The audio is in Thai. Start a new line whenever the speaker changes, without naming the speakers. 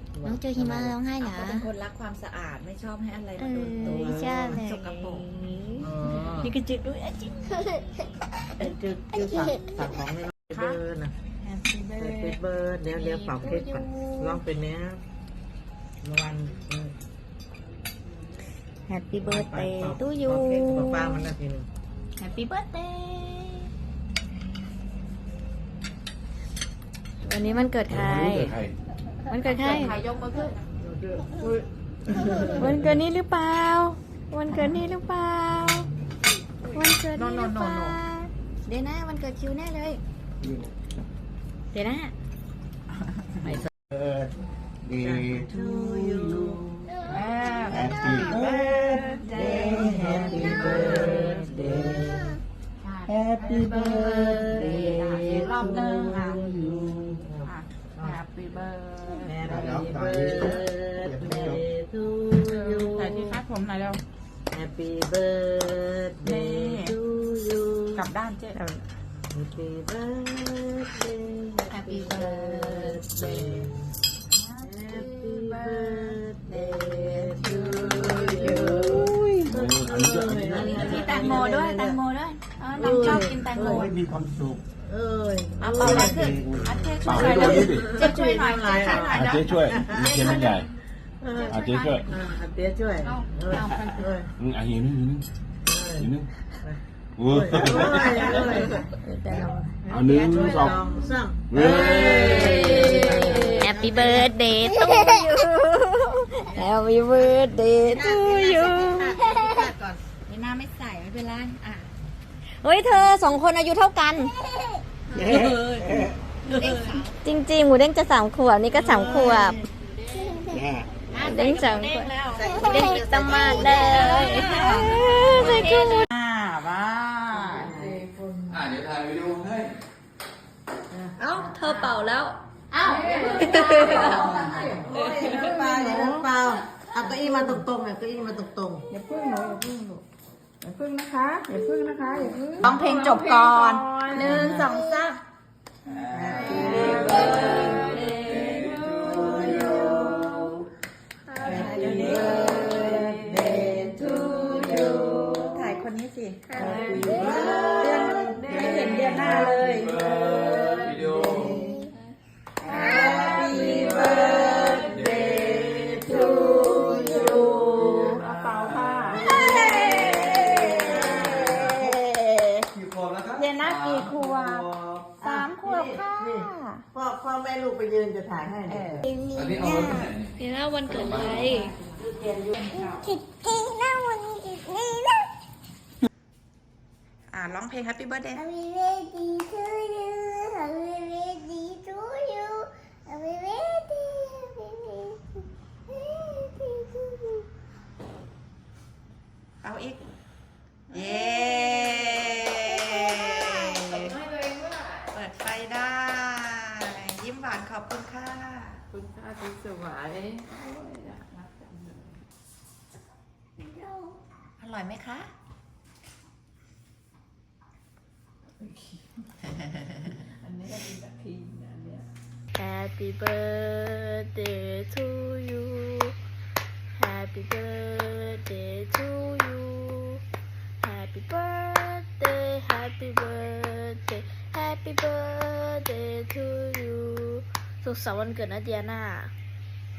น้องเจอหิมะร้องไห้เหรอ
เขาเป็นคนรักความสะอาดไม่ชอบให้อะไรมาโดนตัว
ใช่เลย
สกปรก
นี่ก็จึกด้วยจิก
จืดสั่งของไม่เบิร์ดนะ
Happy
เป็นเบิร์ดเดี๋ยวเป่าเค้กก่อนลองเป็นเนี้ยวัน
แฮปปี้เบิร์ดเดย์ตู้ยู
เค้กกับป้ามันนะทีนึง
แฮปปี้เบิร์ดเดย์วันนี้มันเกิดใคร มันเกิดใคร
ใครยกมือขึ้น
วันเกิดนี้หรือเปล่า วันเกิดนี้หรือเปล่า วันเกิดนี้หรือเปล่า เดี๋ยวนะวันเกิดคิวแน่เลย เดี๋ยวนะ
Birthday to you Happy birthday Happy birthday Happy birthday
รอบหนึ่งค่ะ
to you
Happy birthday
Happy birthday to you
ถ่ายที่คาดผมหน่อยเร็ว
Happy birthday to you
กลับด้านเจ๊
Happy birthday
Happy birthday
Happy birthday to you
มีแตงโมด้วยแตงโมด้วยน้องชอบกินแตงโม
มีความสุข
เอ้ย
เอาเป่าอะไรขึ้นเจ๊ช่
เป่า
วย
ให้
หน่อย
ตัว
เร็ว
นี้ดิ
เจ๊ช่วยหน่อยเจ๊ช่วยหน่อย
เจ๊ช่วยมีเทียนมันใหญ่เจ๊ช่วย
เดี๋ยวช่วย
หิวนึงหิวนึงโอ้ เอาหนึ่งสอง
สาม
เว้ย
แฮปปี้เบิร์ดเดย์ตู้ยูแฮปปี้เบิร์ดเดย์ตู้ยู
นี่หน้าไม่ใส่ไม่เป็นไรอ่ะ
เฮ้ยเธอ2 คนอายุเท่ากัน จริงๆหมูเด้งจะ3 ขวบนี่ก็3 ขวบเด้ง3 ขวบเด้งตมากเลยใส่กุ้ง
บ้า
เดี๋ยวถ่ายวิดีโอให้
เอ้าเธอเป่าแล้ว
เอ้า
เปล่าอย่าเปล่าเอาเก้าอี้มาตรงๆเนี่ยเก้าอี้มาตรง
อย่าพึ่งหนูอย่าพึ่งนะคะอย่าพึ่งนะคะอย่าพึ่งร้องเพลงจบก่อน1 2 3 ถ่ายคนนี้สิเดือนไม่เห็นเดือนหน้าเลย
วิดีโอ
Happy birthday to you เอาเป่าค่ะ
กี่ขวบแล้วครับ
เดือนหน้ากี่ขวบ3 ขวบค่ะ
ๆพ่อแม่ลูกไปยืนจะถ่ายให้เนี่ย
อันนี้เอาไว้ที่ไหน
เดี๋ยวนะวันเกิดใคร
ร้องเพลง Happy birthday
Happy birthday to you. Happy birthday to you. Happy birthday. Happy birthday to you.
เอาอีก เย้เปิดไฟได้ ยิ้มหวานขอบคุณค่ะ
คุณค่าคุณสวย
อร่อยไหมคะ
อันนี้ก็เป็นแบบพิมพ์นะเนี่ย
Happy birthday to you Happy birthday to you Happy birthday Happy birthday Happy birthday to you สุขสันต์วันเกิดนะเดียนา